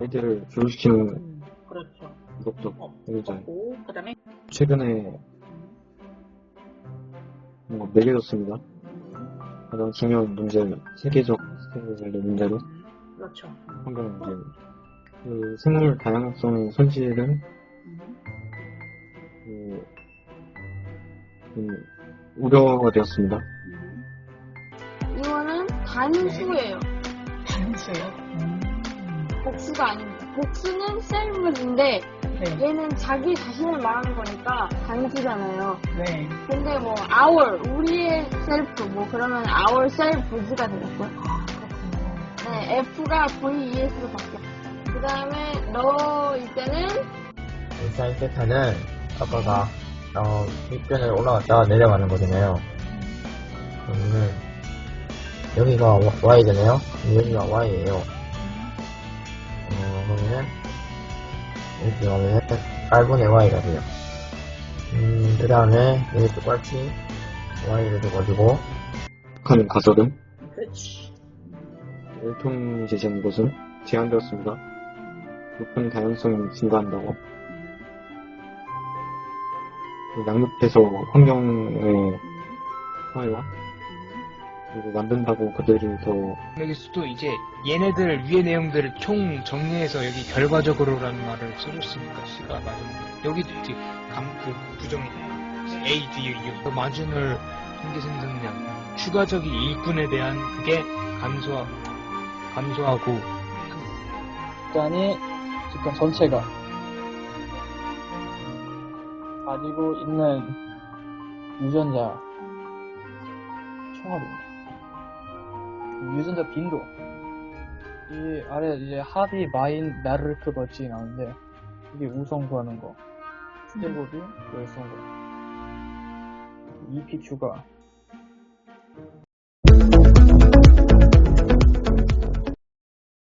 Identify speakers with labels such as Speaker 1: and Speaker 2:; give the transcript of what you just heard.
Speaker 1: 아이들을 교육시키는
Speaker 2: 그렇죠.
Speaker 1: 것도 굉장히
Speaker 2: 그렇고, 그 다음에,
Speaker 1: 최근에 뭔가 매겨졌습니다. 가장 중요한 문제, 세계적 스케일의 문제로
Speaker 2: 그렇죠.
Speaker 1: 환경 문제. 그 생물 다양성 손실은 우려가 되었습니다.
Speaker 3: 이거는 단수예요.
Speaker 2: 단수요?
Speaker 3: 복수가 아닙니다. 복수는 셀프인데
Speaker 2: 네.
Speaker 3: 얘는 자기 자신을 말하는 거니까 단수잖아요.
Speaker 2: 네.
Speaker 3: 근데 뭐 our 우리의 셀프 뭐 그러면 our selfs가 되겠고. 네, F가 VES로 바뀌어. 그 다음에 너일 때는
Speaker 4: 사인 세타는 아빠가 윗변을 올라갔다가 내려가는 거잖아요. 그러면은 여기가 Y잖아요. 여기가 Y예요. 그러면은 이렇게 가면은 8분의 Y가 돼요. 그 다음에 여기 똑같이 Y를 줘가지고
Speaker 1: 북한 가설은
Speaker 2: 그렇지.
Speaker 1: 일통 제시한 것은 제한되었습니다. 높은 다양성이 증가한다고. 양육해서 환경의 사회와 그리고 만든다고 그들이 더
Speaker 5: 여기서도 이제 얘네들 위의 내용들을 총 정리해서 여기 결과적으로라는 말을 써줬으니까 C가 맞은 여기도 이제 그 부정 A, D, U 마진을 통계 생성량 추가적인 일꾼에 대한 그게 감소하고
Speaker 6: 집단이 집단 전체가 가지고 있는 유전자 총합입니다. 유전자 빈도 이 아래 이제 합이 마인 나르크 버치 나오는데 이게 우성 구하는 거 스테고비 열성거 EPQ가